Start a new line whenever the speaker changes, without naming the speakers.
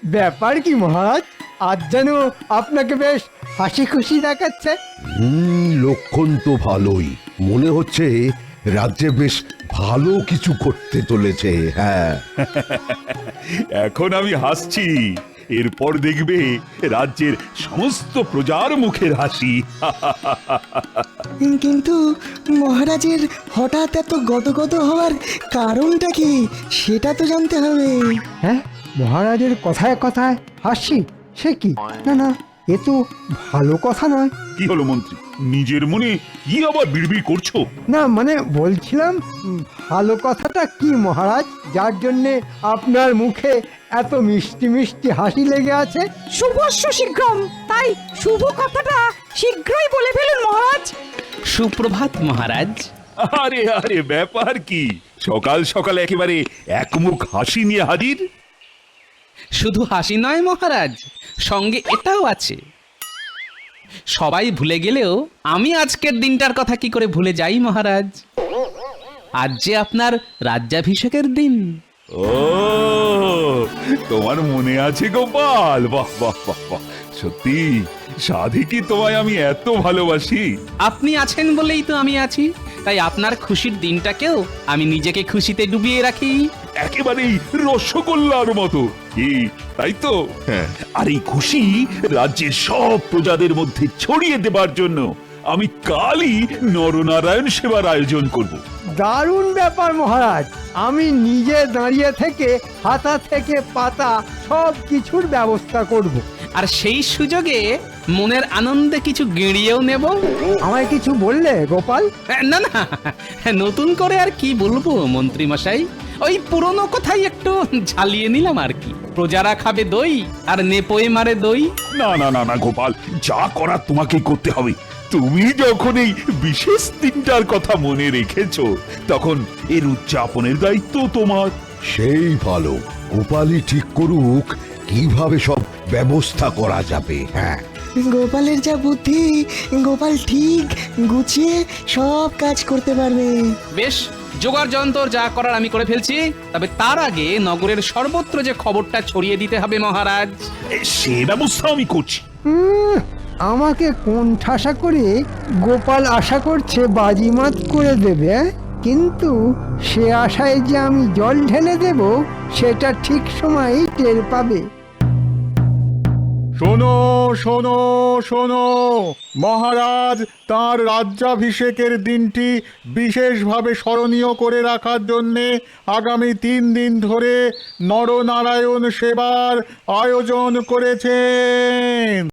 ব্যাপার কি মহারাজ, আজ যেন আপনাকে বেশ হাসি খুশি দেখাচ্ছে।
লক্ষণ তো ভালোই, মনে হচ্ছে রাজ্যে বেশ ভালো কিছু করতে চলেছে। হ্যাঁ,
এখন আমি হাসছি, এরপর দেখবে রাজ্যের সমস্ত প্রজার মুখের হাসি।
কিন্তু মহারাজের হঠাৎ এত গদগদ হওয়ার কারণটা কি সেটা তো জানতে হবে।
হ্যাঁ, মহারাজের কথায় কথায় হাসি, সে কি? না না, এ তো ভালো কথা নয়।
কি হলো মন্ত্রী, নিজের মনে কি আবার বিড়বিড় করছো?
না মানে বলছিলাম, ভালো কথাটা কি মহারাজ, যার জন্যে আপনার মুখে এত মিষ্টি মিষ্টি হাসি লেগে আছে?
শুভস্য শীঘ্রম, তাই শুভ কথাটা শীঘ্রই বলে ফেলুন মহারাজ।
সুপ্রভাত মহারাজ।
আরে আরে, ব্যাপার কি, সকাল সকাল একেবারে একমুখ হাসি নিয়ে হাজির?
শুধু হাসি নয় মহারাজ, সঙ্গে এটাও আছে। সবাই ভুলে গেলেও আমি আজকের দিনটার কথা কি করে ভুলে যাই মহারাজ। আজ যে আপনার রাজ্যাভিষেকের দিন।
ও, তোমার মনে আছে গোপাল? বাহ বাহ বাহ বাহ, সত্যি সাধে কি তোমায় আমি এত ভালোবাসি।
আপনি আছেন বলেই তো আমি আছি, তাই আপনার খুশির দিনটাকেও আমি নিজেকে খুশিতে ডুবিয়ে রাখি।
একেবারেই রসগোল্লার মতো, কি তাই তো? আর এই খুশি রাজ্যের সব প্রজাদের মধ্যে ছড়িয়ে দেবার জন্য আমি কালই নরনারায়ণ সেবার আয়োজন করব।
দারুণ ব্যাপার মহারাজ, আমি নিজে দাঁড়িয়ে থেকে হাতা থেকে পাতা সব কিছুর ব্যবস্থা করব।
আর সেই সুযোগে মনের আনন্দে কিছু গেঁড়িয়েও নেব।
আমায় কিছু বললে গোপাল?
না না, নতুন করে আর কি বলবো মন্ত্রী মশাই, ওই পুরনো কথাই একটু ঝালিয়ে নিলাম আর কি। প্রজারা খাবে দই আর নেপোয়ে মারে দই।
না না না না গোপাল, যা করার তোমাকে করতে হবে। তুমি যখন এই বিশেষ দিনটার কথা মনে রেখেছো, তখন এর উদযাপনের দায়িত্ব তোমার।
সেই ভালো, গোপালই ঠিক করুক কিভাবে সব ব্যবস্থা করা যাবে। হ্যাঁ,
গোপালের যা বুদ্ধি, গোপাল ঠিক গুছিয়ে সব কাজ করতে পারবে।
বেশ, জোগাড় যন্তর যা করার আমি করে ফেলছি, তবে তার আগে নগরের সর্বত্র যে খবরটা ছড়িয়ে দিতে হবে মহারাজ।
সে ব্যবস্থা আমি করছি।
আমাকে কোন ঠাসা করে গোপাল আশা করছে বাজিমাত করে দেবে, কিন্তু সে আশায় যে আমি জল ঢেলে দেব সেটা ঠিক সময়েই টের পাবে।
শোনো শোনো শোনো, মহারাজ তাঁর রাজ্যাভিষেকের দিনটি বিশেষভাবে স্মরণীয় করে রাখার জন্যে আগামী 3 দিন ধরে নরনারায়ণ সেবার আয়োজন করেছেন।